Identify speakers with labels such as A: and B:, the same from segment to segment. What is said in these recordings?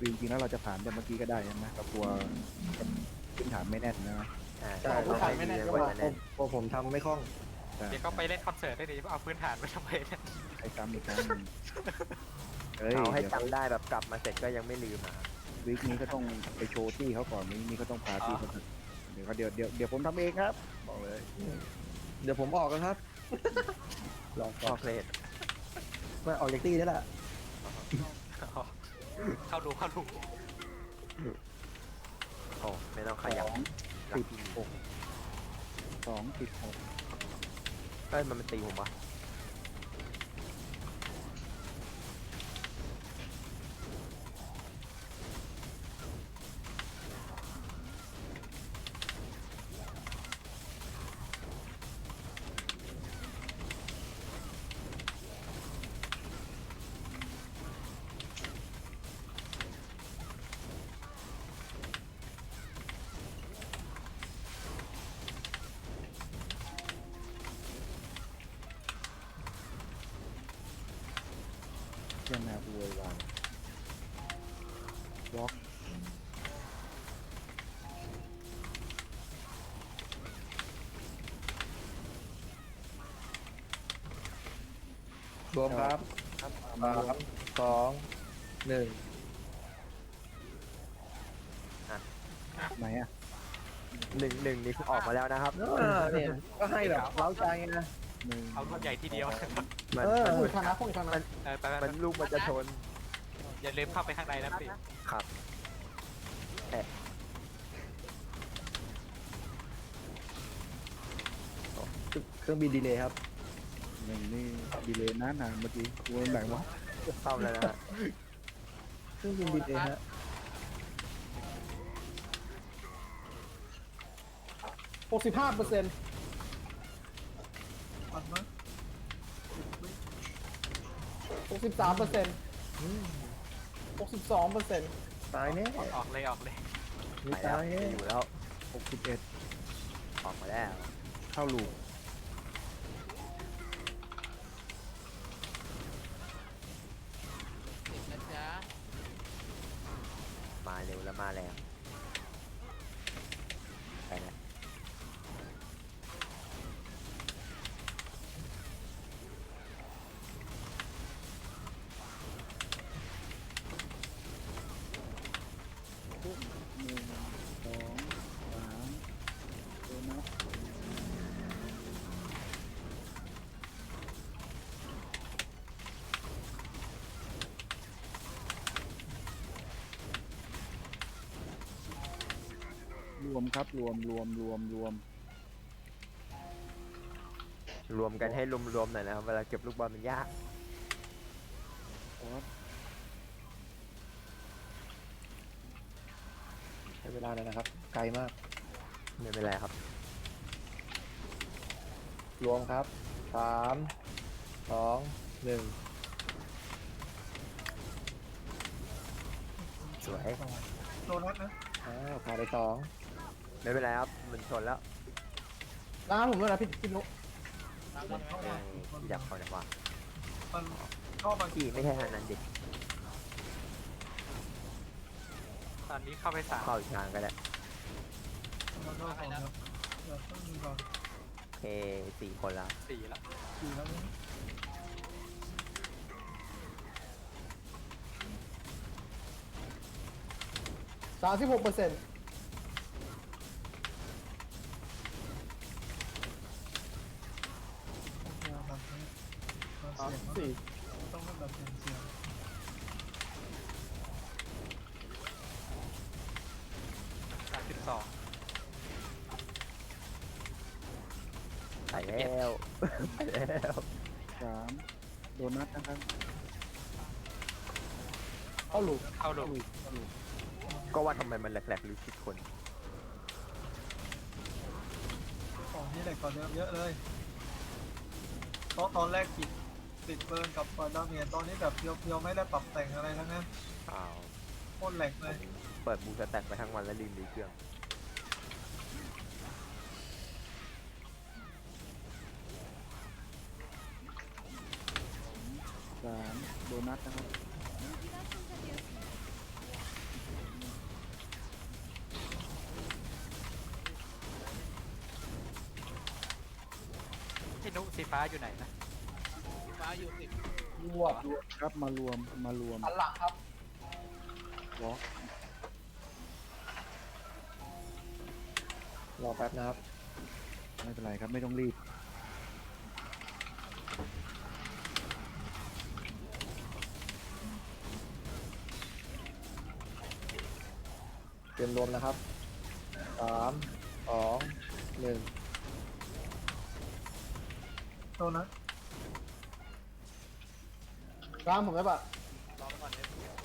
A: จริงๆแล้วเราจะผ่านแต่เมื่อกี้ก็ได้นะเรากลัวพื้นฐานไม่แน่นนะ
B: ใช่เราให้ดีกว่าจะแน่น
C: พอผมทำไม่คล่อง
A: ใช่
D: เดี๋ยวก็ไปเล่นคอนเสิร์ตได้ดิเอาพื้นฐานไปทำไมเนี่ย
A: ใช้ซ้ำอีกครั้งหนึ่งเฮ้ย
B: เอาให้
A: เดี๋ยว
B: จำได้แบบกลับมาเสร็จก็ยังไม่ลืมอ่ะ
A: วีคนี้ก็ต้องไปโชว์ที่เขาก่อนวีคนี้ก็ต้องพาที่เขาถึงเดี๋ยวผมทำเองครับบอกเลย
C: เดี๋ยวผมออกแล้วครับลอง
B: พ
C: ก่อ
B: อน เพลท
C: มาออกจากตี้ได้แหละ
D: เข้าดูเข้าดู
B: โอ้ไม่ต้องขยับ
A: 2 10 6 2 10 6
B: เอ้ยมันตีผมปะ
A: เจ้านาอวยวายบล็อก
C: รวมครับ
A: ครับ
C: สามสองหนึ่ง
A: ไหนอ่ะ
B: หนึ่งนี่คือออกมาแล้วนะครับ
C: เนี่ยก็ให้แบบเล้าใจไงนะ
A: 1
D: เอาลูกใหญ่ทีเดียว
B: มัน
C: คุยทางนะคุยทางนั้น
D: ไป
B: มันลูกมันจะชน
D: อย่าลืมเข้าไปข้างในนะพี่
B: ครับ
C: เครื่องบินดีเลยครับ
A: 1นี่ดีเลยนานเมื่อกี้กูแบ่งว่า
B: เข้าแล้วนะฮะ
C: เครื่องบินดีเลยฮะ
E: 65%63% 62%
C: ตายแน่
D: ออกเลยออกเลย
C: มี
B: ไปแล้ว
C: ตายแน่
B: จะอยู่แล้ว
A: 61
B: ออกมาแล้ว
A: เข้าลูก
B: มาเร็วแล้วมาแล้วไปแล้ว
A: 1 2 3ตัวนับรวมครับรวม
B: รวมกันให้รวมๆหน่อยนะครับเวลาเก็บลูกบอลมันยาก
A: ครับ
C: ใช้เวลาเลยนะครับ ไกลมาก
B: ไม่เป็นไรครับ
C: รวมครับสามสองหนึ่ง
B: สวย
C: ผ่านไปสอง
B: ไม่เป็นไรครับมันชนแล้ว
E: ร้านผมด้วยนะพี่นุ๊ก
B: ที่ดับเขาเนี่ยว่าพี่ไม่ใช่ทางนั้นดิ
D: ตอนนี้เข้าไป3
B: เข้าอีกทางก็ได้โอเค4 คนละ
D: 4แล้ว
E: 36% 34
D: 32
B: ไปแล้วไปแล้ว
A: 3โดนัทนะครับ
E: เข้าลูก
D: เข้าดู
B: ก็ว่าทำไมมันแหลกๆหรือผิดคน
F: ของนี่แหละกว่าเดิมเยอะเลยตอนแรกติดเบิร์นกับดาเมียนตอนนี้แบบเพียวๆไม่ได้ปรับแต่งอะไรทั้งนั้น
B: อ้าว
F: โคตรแหลกเลย
B: เปิดบูสแต็กไปทั้งวันแล้วลืมดีเครื่อง
A: 3โดนัทนะครับ
D: พี่นุสีฟ้าอยู่ไหนนะ
G: ฟ้าอยู่สิบ
E: รวบ
A: ครับมารวม
E: หันหลังครับ
A: วอล์ก
C: รอแป๊บนะครับ
A: ไม่เป็นไรครับไม่ต้องรีบ
C: เตรียมรวมนะครับสามสองหนึ่ง
F: โทษนะ
E: ล้างผมได้ปะ
G: รอไปก่อนเลย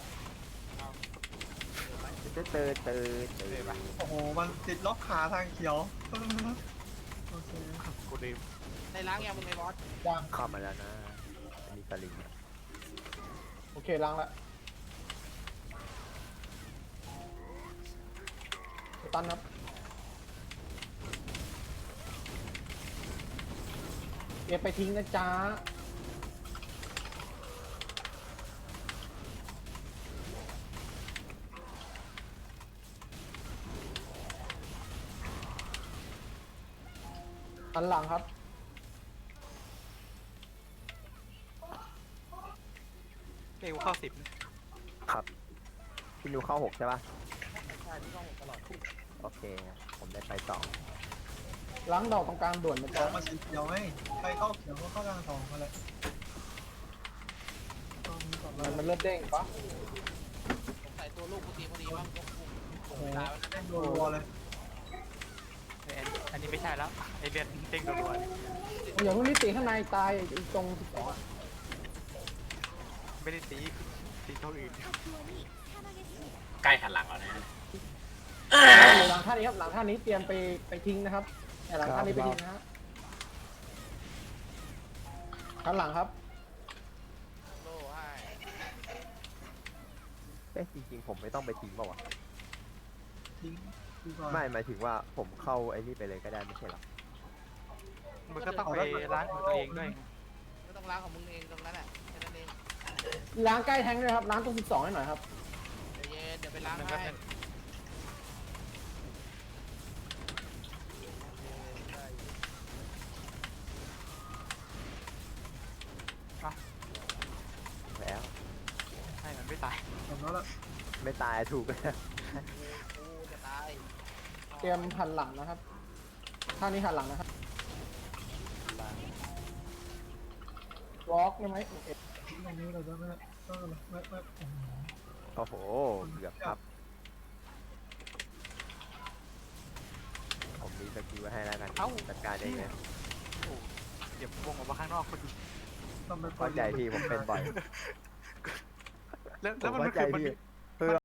F: โอ้โหมันติดล็อกขาทางเขียวโอเค
D: กูลืม
G: ในล้างยังมึงไงบอส
E: ยัง
B: เข้ามาแล้วนะมีสลิง
E: โอเคล้างละตันครับเก็บไปทิ้งนะจ๊ะหันหลังครับ
D: เร็วเข้า10
B: ครับพี่นูเข้า6ใช่ปะ
G: ใช่ที่ต้องตลอด
B: โอเค ผมได้ไป2
E: ล้างดอกตรงกลางด่วนนะ
F: สอ
E: จ๊ะ
F: งมาสีเขียวไหมใครเข้าเขียวก็เข้าทางสองมาเลยตอนนี้ก่อนเลย
E: มันเลือดเด้งปะ
G: สงสัยตัวลูกกูตีพอดีว่า
F: โอ้โห
G: เวลามัน
F: เล่นรัวๆเลย
D: อันนี้ไม่ใช่แล้วไอเลือดเด้งรัวๆเนี่ย
E: อย่าเพิ่งรีบตีข้างในตายไอ้ตรง12อะ
D: ไม่ได้ตีตัวอื่น
H: ใกล้หันหลังแล้วนะ
E: หลังท่านี้ครับหลังท่านี้เตรียมไปทิ้งนะครับหลังท่านี้ไปทิ้งนะฮะข้างหลังครับ
G: โล่ให้
B: จริงๆผมไม่ต้องไปทิ้งเปล่าวะ
F: ทิ้งดีกว่า
B: ไม่หมายถึงว่าผมเข้าไอ้นี่ไปเลยก็ได้ไม่ใช่หรอ
D: มึงก็ต้องไปล้างของตัวเองด้วย
G: ไม่ต้องล้างของมึงเองตรงนั้นแหละแค่นั้นเอง
E: ล้างใกล้แทงด้วยครับล้างตรง12ให้หน่อยครับ
G: เดี๋ยวเย็นเดี๋ยวไปล้าง
D: มันก็
G: ให้
D: จะ
B: แล้ว
D: ให้มันไม่ตาย
F: จบแล้วล่ะ
B: ไม่ตายถูกแล้ว
G: กูจะตาย
E: เตรียมหันหลังนะครับท่านี้หันหลังนะครับวอล์กได้ไหมโอเค
F: ทิ้งตรงนี้เราจะไม่ไม่โอ้โห
B: โอ้โหเกือบครับ ผมมีสกิลไว้ให้แล้วกันจัดการเองนะ
D: เดี๋ยววงออกมาข้างนอกคนดู
F: ต้องไป
B: เข้าใจพี่ผมเป็นบ่อย
D: แล้ว
B: ผม
D: มัน
B: เข้าใจ
D: คือมัน
B: พี่